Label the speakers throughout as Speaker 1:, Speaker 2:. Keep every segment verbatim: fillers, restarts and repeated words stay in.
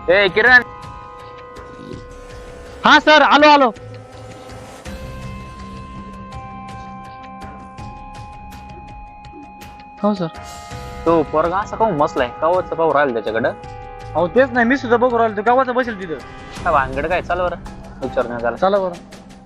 Speaker 1: ए किरण.
Speaker 2: हा सर, आलो आलो. हो सर.
Speaker 1: तो पोरगा असा काहून मसलाय कावच पाहू राहिलं त्याच्याकडं.
Speaker 2: अहो तेच नाही, मी सुद्धा बघू राहिलो, गावाचा बसेल तिथं.
Speaker 1: काय भानगड काय, चाल बरं विचारण्यात झाला.
Speaker 2: चला बरं.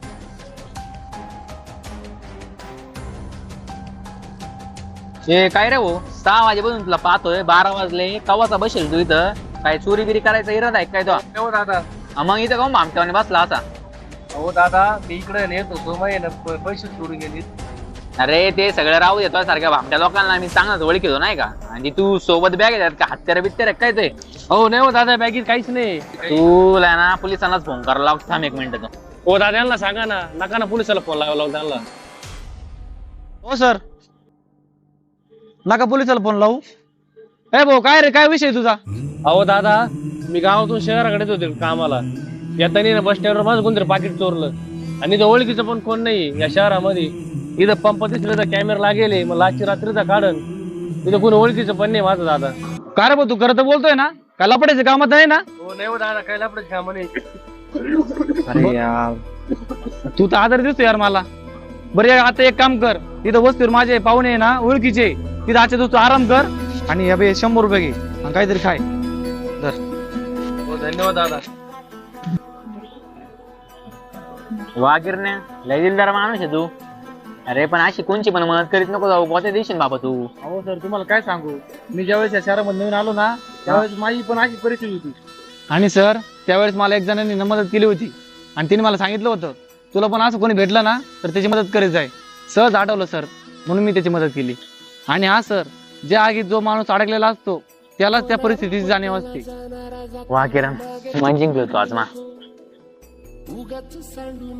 Speaker 1: ए काय रे भाऊ, सहा वाजेपासून तुला पाहतोय, बारा वाजले कवाचा बसेल तू इथं. काय चोरी बिरी करायचा इरादा आहे काय तो?
Speaker 2: हो दादा.
Speaker 1: हा, मग इथं काहून भामट्याने बसला असा?
Speaker 2: हो दादा, मी इकडे नेत होतो, माहिती पैसे चोरी गेली.
Speaker 1: अरे ते सगळं राहू देतो सारख्या भामट्या लोकांना मी चांगलाच ओळखीतो नाही का. आणि तू सोबत बॅग येतात का, हत्यार बित्यार काय ते?
Speaker 2: हो नाही हो दादा, बॅगेत काहीच नाही.
Speaker 1: तुला ना पोलिसांनाच फोन करायला लागतो. थांब एक मिनिट तो.
Speaker 2: हो दादा, यांना सांगा ना, नका ना पोलिसाला फोन लावायला लावू त्यांना. हो सर, नका पोलिसाला फोन लावू. ए भाऊ, काय रे, काय विषय तुझा? अहो दादा, मी गावातून शहराकडे होते कामाला. येताना बस स्टँडवर माझं कोणतरी पाकिट चोरलं. आणि इथं ओळखीचं पण कोण नाही या शहरामध्ये. इथं पंप दिसलं तर कॅमेरा लागेल, मग लाची रात्रीचा काढन. इथं कोणी ओळखीचं पण नाही माझं दादा. काय रे भाऊ, तू खरं तर बोलतोय ना? काय लपडायचं कामात नाही ना? हो नाही हो दादा, काय लपडायचं काम नाही. अरे यार, तू तर आदर दिसतो यार मला. बरं आता एक काम कर, तिथं वस्तीवर माझे पाहुणे आहे ना ओळखीचे, तिथं आजच्या दिवस तू आराम कर आणि अबे शंभर रुपये घे आणि काहीतरी खाय. तर हो, धन्यवाद दादा.
Speaker 1: वा गिरण्या, लय दिलदार माणूस आहे तू. अरे पण अशी कोणची पण मदत करीत नको जाऊ, कोणत्या देशील बाबा तू.
Speaker 2: हो सर, तुम्हाला काय सांगू, मी ज्यावेळेस या शहरामध्ये नवीन आलो ना, त्यावेळेस माझी पण अशी परिस्थिती होती. आणि सर, त्यावेळेस मला एक जणांनी मदत केली होती आणि तिने मला सांगितलं होतं, तुला पण असं कोणी भेटलं ना तर त्याची मदत करीत जाय. सहज आठवलं सर, म्हणून मी त्याची मदत केली. आणि हा सर, ज्या आगीत जो माणूस अडकलेला असतो त्यालाच त्या परिस्थितीची जाणीव असते.
Speaker 1: वा किरण, मन जिंकलो तू आज मा.